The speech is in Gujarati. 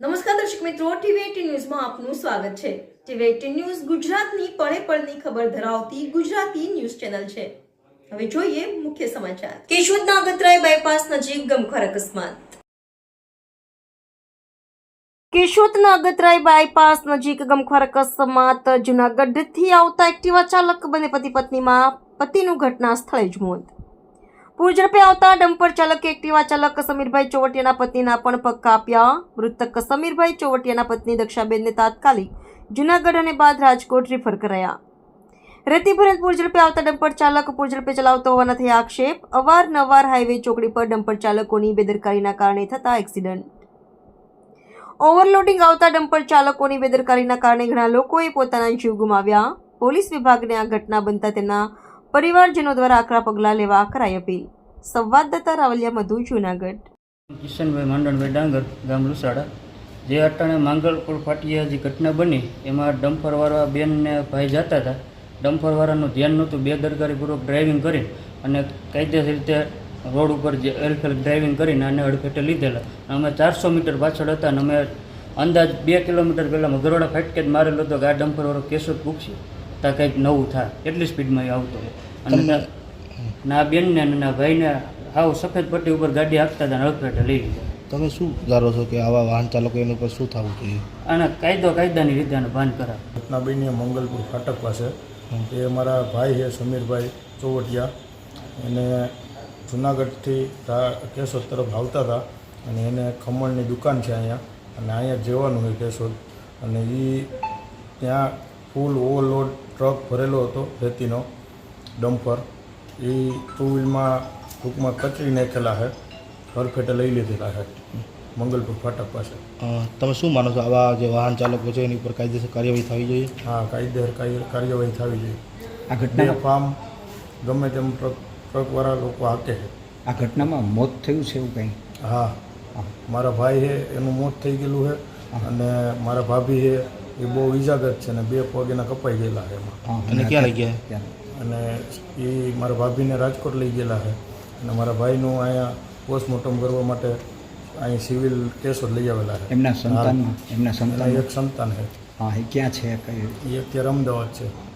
નમસ્કાર દર્શક મિત્રો, ટીવી18 ન્યૂઝમાં આપનું સ્વાગત છે। ટીવી18 ન્યૂઝ ગુજરાતની પળે પળની ખબર ધરાવતી ગુજરાતી ન્યૂઝ ચેનલ છે। હવે જોઈએ મુખ્ય સમાચાર। કેશોદના અગતરાય બાયપાસ નજીક ગમખ્વાર અકસ્માત। કેશોદના અગતરાય બાયપાસ નજીક ગમખ્વાર અકસ્માત। જૂનાગઢથી આવતા એક્ટિવા ચાલક બંને પતિ પત્નીમાં પતિનું ઘટના સ્થળે જ મોત। પૂરઝડપે આવતા ડમ્પર ચાલકે એક્ટિવા ચાલક સમીરભાઈ ચોવટિયાના પત્નીના પણ પગ કાપ્યા। મૃતક સમીરભાઈ ચોવટિયાના પત્ની દક્ષાબેનને તાત્કાલિક જૂનાગઢ અને બાદ રાજકોટ રિફર કરાયા। રેતી ભરેલ પૂરઝડપે આવતા ડમ્પર ચાલક પૂરઝડપે ચલાવતો હોવાના થયા આક્ષેપ। અવારનવાર હાઈવે ચોકડી પર ડમ્પર ચાલકોની બેદરકારીના કારણે થતા એક્સિડન્ટ। ઓવરલોડિંગ આવતા ડમ્પર ચાલકોની બેદરકારીના કારણે ઘણા લોકોએ પોતાના જીવ ગુમાવ્યા। પોલીસ વિભાગને આ ઘટના બનતા તેમના પરિવારજનો દ્વારા આકરા પગલાં લેવા કરાઈ અપીલ। સંવાદદાતા રાવલિયા મધુ, જૂનાગઢ। કિશનભાઈ માંડણભાઈ ડાંગર, ગામ લુસાડા। જે અટાણે માંગલપુર ફાટિયા જે ઘટના બની એમાં ડમ્પરવાળા બેન ને ભાઈ જતા હતા। ડમ્પરવાળાનું ધ્યાન નહોતું, બેદરકારીપૂર્વક ડ્રાઇવિંગ કરી અને કાયદેસર રીતે રોડ ઉપર જે એલફેલ ડ્રાઇવિંગ કરીને આને અડફેટે લીધેલા। અમે 400 મીટર પાછળ હતા અને અમે અંદાજ 2 કિલોમીટર પહેલાં ગરોડા ફાટકે જ મારેલો હતો કે આ ડમ્પરવાળો કેશોદ પૂછશે ત્યાં કંઈક નવું થાય, એટલી સ્પીડમાં એ આવતો અને ના બેનને અને ના ભાઈને આવ સફેદ પટ્ટી ઉપર ગાડી હાંકતા હતા અને અડફેટે લઈ લીધા। તમે શું ધારો છો કે આવા વાહન ચાલકો એની ઉપર શું થવું જોઈએ? અને કાયદાની રીતે આને ભાન કરાવે। ઘટના બની મંગલપુર ફાટક પાસે। એ મારા ભાઈ છે સમીરભાઈ ચોવટિયા, એને જુનાગઢથી કેશોદ તરફ આવતા હતા અને એને ખમણની દુકાન છે અહીંયા અને અહીંયા જવાનું હોય કેશોદ, અને એ ત્યાં ફૂલ ઓવરલોડ ટ્રક ભરેલો હતો રેતીનો ડમ્પર। એ ટુ વ્હીલમાં ટૂંકમાં કચરી નાખેલા છે, હરફેટે લઈ લીધેલા છે મંગલપુર ફાટક પાસે। તમે શું માનો છો, આવા જે વાહન ચાલકો છે એની ઉપર કાયદેસર કાર્યવાહી થવી જોઈએ? હા, કાયદેસર કાર્યવાહી થવી જોઈએ। આ ઘટના ફાર્મ ગમે તેમ ટ્રકવાળા લોકો હાકે છે। આ ઘટનામાં મોત થયું છે એવું કંઈ? હા, મારા ભાઈ છે એનું મોત થઈ ગયેલું છે અને મારા ભાભી છે એ બહુ ઈજાગ્રસ્ત છે અને 2 પગ એના કપાઈ ગયેલા છે એમાં। અને ક્યાં લઈ ગયા? અને એ મારા ભાભીને રાજકોટ લઈ ગયેલા છે અને મારા ભાઈનું અહીંયા પોસ્ટમોર્ટમ કરવા માટે અહીં સિવિલ કેશોદ લઈ આવેલા છે। એમના સંતાન એક સંતાન છે। હા, એ ક્યાં છે? એ અત્યારે અમદાવાદ છે।